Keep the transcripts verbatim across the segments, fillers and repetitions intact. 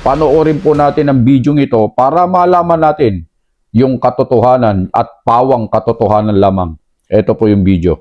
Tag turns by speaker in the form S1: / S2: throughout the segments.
S1: Panoorin po natin ang video ito para malaman natin yung katotohanan at pawang katotohanan lamang. Ito po yung video.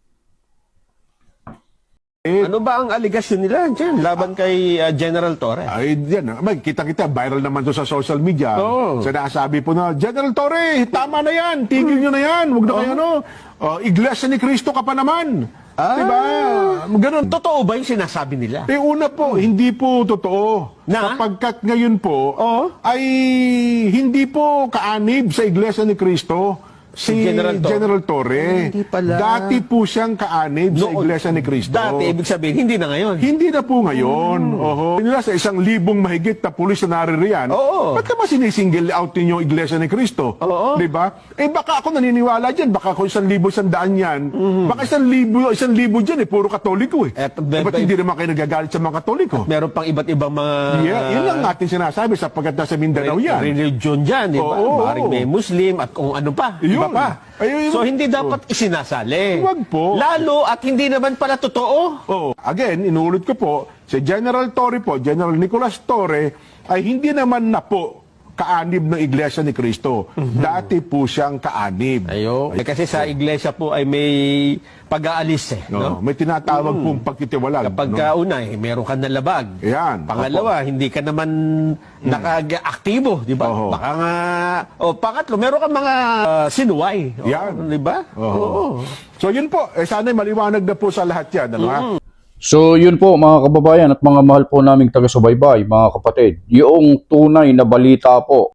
S2: Ano ba ang aligasyon nila dyan laban kay uh, General Torre?
S3: Ay, yan. May kita-kita, viral naman to sa social media.
S2: Oo.
S3: Sinasabi po na, General Torre, tama na yan. Tigil nyo na yan. Huwag na kayo, ano. Uh, Iglesia ni Cristo ka pa naman.
S2: Ah.
S3: Diba? Ganun.
S2: Totoo ba yung sinasabi nila?
S3: Eh, una po, hindi po totoo.
S2: Na?
S3: Sapagkat ngayon po,
S2: Oo.
S3: ay hindi po kaanib sa Iglesia ni Cristo si
S2: Si General
S3: General,
S2: Torre.
S3: Torre.
S2: Hindi pala.
S3: Dati po siyang kaanib sa
S2: Noon.
S3: Iglesia ni Cristo.
S2: Dati, ibig sabihin, hindi na ngayon.
S3: Hindi na po ngayon.
S2: Hmm.
S3: Oho. Nila sa isang libong mahigit na pulis na naririyan.
S2: Oo.
S3: Ba't naman sinisingle out ninyo yung Iglesia ni Cristo?
S2: Oo.
S3: Di ba? Eh baka ako naniniwala dyan. Baka ako isang libo, isang daan yan. Baka isang libo, isang libo dyan eh. Puro Katoliko eh.
S2: Eh,
S3: eh ba't hindi naman kayo nagagalit sa mga Katoliko?
S2: Meron pang iba't ibang mga
S3: Yeah, yun lang natin sinasabi sapagkat nasa Mindanao yan.
S2: religion dyan, di ba?
S3: Oo.
S2: Maring may Muslim at kung ano pa.
S3: Yun.
S2: Iba pa.
S3: Ayun, yun.
S2: So, hindi dapat isinasali.
S3: Huwag po.
S2: Lalo at hindi naman pala totoo.
S3: Oh, again, inuulit ko po, si General Torre po, General Nicolas Torre, ay hindi naman na po kaanib ng Iglesia ni Cristo. Dati po siyang kaanib.
S2: Ayo. Eh, kasi sa iglesia po ay may pag-aalis eh.
S3: No,
S2: No?
S3: may tinatawag pong pagtitiwalag.
S2: Kapag
S3: no?
S2: ka una eh, meron ka na labag.
S3: Yan,
S2: Pangalawa, hindi ka naman naka-aktibo, di ba?
S3: Oho.
S2: Baka nga, o pangatlo, meron ka mga uh, sinuway. O,
S3: Yan.
S2: Di ba?
S3: Oho.
S2: Oo.
S3: So yun po, eh, sana maliwanag na po sa lahat yan. Ano, ha?
S1: So yun po mga kababayan at mga mahal po naming taga-subaybay, mga kapatid. Yung tunay na balita po